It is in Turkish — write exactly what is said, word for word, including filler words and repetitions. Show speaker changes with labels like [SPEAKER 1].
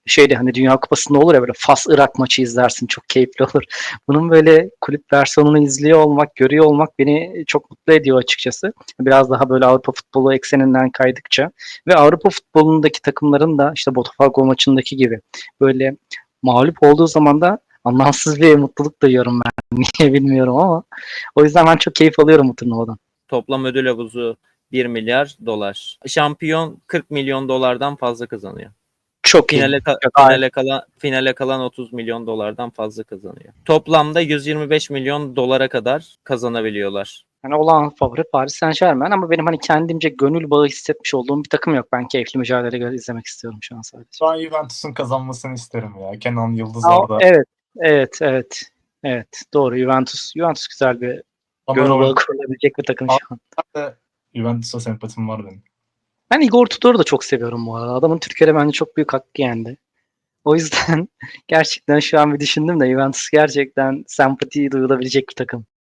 [SPEAKER 1] şeyde hani Dünya Kupası'nda olur ya böyle Fas-Irak maçı izlersin çok keyifli olur. Bunun böyle kulüp versiyonunu izliyor olmak, görüyor olmak beni çok mutlu ediyor açıkçası. Biraz daha böyle Avrupa futbolu ekseninden kaydıkça ve Avrupa futbolundaki takımların da işte Botafogo maçındaki gibi böyle mağlup olduğu zaman da anlamsız bir mutluluk duyuyorum ben. Niye bilmiyorum ama o yüzden ben çok keyif alıyorum bu turnuvadan.
[SPEAKER 2] Toplam ödül havuzu bir milyar dolar. Şampiyon kırk milyon dolardan fazla kazanıyor.
[SPEAKER 1] Çok iyi.
[SPEAKER 2] Finale, ka-
[SPEAKER 1] Çok
[SPEAKER 2] finale kalan finale kalan otuz milyon dolardan fazla kazanıyor. Toplamda yüz yirmi beş milyon dolara kadar kazanabiliyorlar.
[SPEAKER 1] Yani olağan favori Paris Saint-Germain ama benim hani kendimce gönül bağı hissetmiş olduğum bir takım yok. Ben keyifli mücadele izlemek istiyorum şu an sadece.
[SPEAKER 3] Ben Juventus'un kazanmasını isterim ya. Kenan Yıldız
[SPEAKER 1] Aa,
[SPEAKER 3] orada.
[SPEAKER 1] evet, evet, evet. Evet, doğru. Juventus. Juventus güzel bir
[SPEAKER 3] Ama
[SPEAKER 1] gönül bağı
[SPEAKER 3] rol-
[SPEAKER 1] kurulabilecek bir takım şu an.
[SPEAKER 3] de Juventus'a sempatim var benim.
[SPEAKER 1] Ben Igor Tudor'u da çok seviyorum bu arada. Adamın Türkiye'de bence çok büyük hakkı yendi. O yüzden gerçekten şu an bir düşündüm de Juventus gerçekten sempati duyulabilecek bir takım.